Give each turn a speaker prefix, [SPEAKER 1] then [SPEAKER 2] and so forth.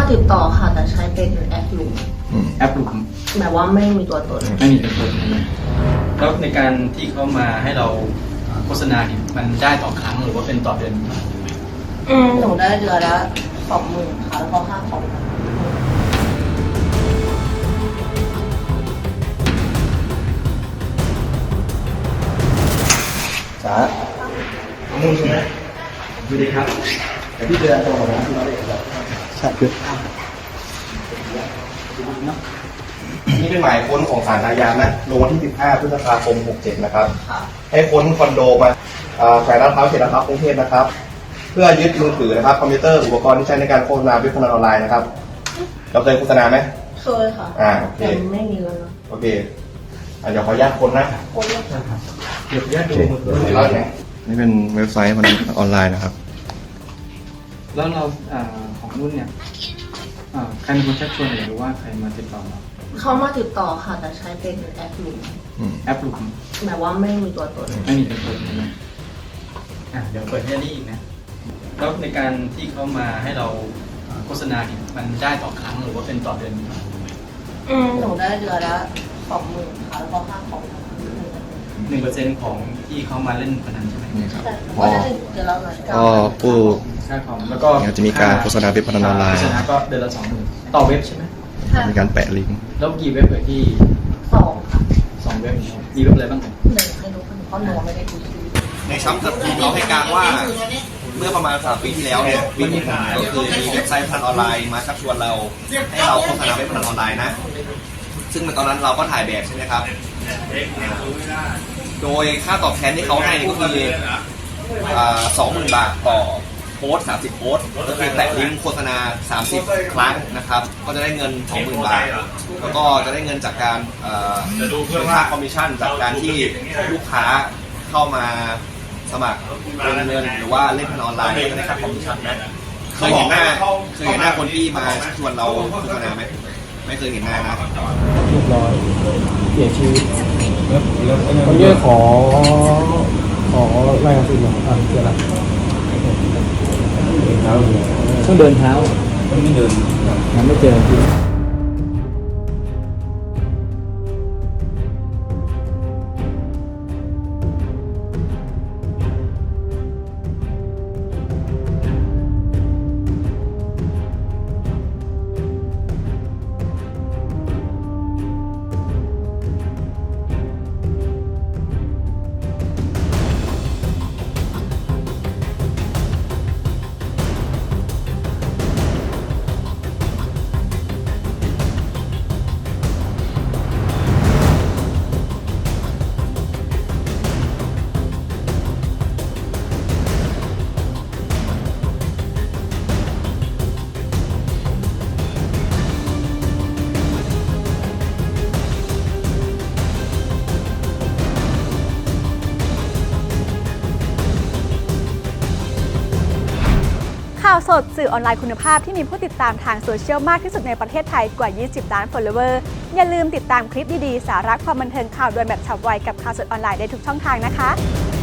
[SPEAKER 1] ติดต่อค่ะแต่ใช้เป็นแอปลุม
[SPEAKER 2] แอปลุม
[SPEAKER 1] แบบว่าไม่มีตัวตน
[SPEAKER 2] ไม่มีตัวตนแล้วในการที่เขามาให้เราโฆษณาเนี่ยมันได้ต่อครั้งหรือว่าเป็นต่อเดือน
[SPEAKER 1] หนูได้เดือนละ20,000ค่ะแล้วก็ค่าของ
[SPEAKER 3] จ้ามุ่งใช่ไหม
[SPEAKER 2] สวัสดีครับ
[SPEAKER 3] แต่ที่เดือนตรงกับที่เราได้ครับใช่คือนี่เป็นหมายค้นของศาลอาญานะลงวันที่15 พฤษภาคม 67 นะครับให้ค้นคอนโดมาแขวงลาดพร้าวเขตลาดพร้าวกรุงเทพนะครับเพื่อยึดมือถือนะครับคอมพิวเตอร์อุปกรณ์ที่ใช้ในการโฆษณาเว็บพนันออนไลน์นะครับเราเคยโฆษณาไหม
[SPEAKER 1] เคยค่ะ
[SPEAKER 3] โอเค
[SPEAKER 1] แต่ไม่มีแล้วนะ
[SPEAKER 3] โอเคเดี๋ยวขออนุญาตค้นนะ
[SPEAKER 1] คนเลยค่ะ
[SPEAKER 2] เดี๋ยวญาติดูมือถือ
[SPEAKER 3] นี่เป็นเว็บไซต์มันออนไลน์นะครับ
[SPEAKER 2] แล้วเราของนุ่นเนี่ยใครเป็นคนชักชวนหรือว่าใครมาติดต่อเรา
[SPEAKER 1] เขามาติดต่อค่ะแต่ใช้เป็นแอปลุม
[SPEAKER 2] แอปลุม
[SPEAKER 1] แบบว่าไม่มีตัวตน
[SPEAKER 2] ไม่มีตัวตนนะเดี๋ยวเปิดให้นี่อีกนะแล้วในการที่เขามาให้เราโฆษณาเนี่ยมันได้ต่อครั้งหรือว่าเป็นต่อเดือน
[SPEAKER 1] หนูได้เดือนละ20,000ค่ะแล้วก็ค่าของ
[SPEAKER 2] 1%ของที่เขามาเล่นพนันใช่ไหม
[SPEAKER 3] นี่ครับ
[SPEAKER 1] ก็
[SPEAKER 3] ผู้
[SPEAKER 2] ค่าของแล้วก็
[SPEAKER 3] จะมีการโฆษณาเว็บพนันออนไลน์
[SPEAKER 2] โฆษณาก็เดือนละ20,000ต่อเว็บใช่ไหม
[SPEAKER 3] มีการแปะลิงก์
[SPEAKER 2] แล้วกี่เว็บเลยที่
[SPEAKER 1] 2ค่ะ
[SPEAKER 2] 2เว็บมีเว็บอะไรบ้าง
[SPEAKER 1] 1ให้ดูเพราะหนูไม่ได้ดู
[SPEAKER 3] ในชั้นจับกุมเราให้การว่าเมื่อประมาณ3 ปีที่แล้วเนี่ยวิธีการก็คือมีเว็บไซต์พนันออนไลน์มาชักชวนเราให้เราโฆษณาเว็บพนันออนไลน์นะซึ่งในตอนนั้นเราก็ถ่ายแบบใช่ไหมครับโดยค่าตอบแทนที่เขาให้ก็คือ20,000 บาทต่อโพสต์30 โพสต์ก็คือแตะลิงก์โฆษณา30 ครั้งนะครับก็จะได้เงิน 20,000 บาทแล้วก็จะได้เงินจากการเป็นค่าคอมมิชชั่นจากการที่ลูกค้าเข้ามาสมัครเงินหรือว่าเล่นพนันออนไลน์ก็ได้ค่าคอมมิชชั่นนะเคยเห็นหน้าคนที่มาชวนเราโฆษณาไหมไม่เคยเห็นหน้านะ
[SPEAKER 2] เรียบร้อยเสียชีวิต
[SPEAKER 4] วันนี้ขอรายงานตัวหน่อยเจออะไร
[SPEAKER 2] ต้องเดินเท้าไม่เดินมันไม่เจอจริง
[SPEAKER 5] ข่าวสดสื่อออนไลน์คุณภาพที่มีผู้ติดตามทางโซเชียลมากที่สุดในประเทศไทยกว่า 20 ล้าน follower อย่าลืมติดตามคลิปดีๆ สาระความบันเทิงข่าวด่วนแบบฉับไวกับข่าวสดออนไลน์ได้ทุกช่องทางนะคะ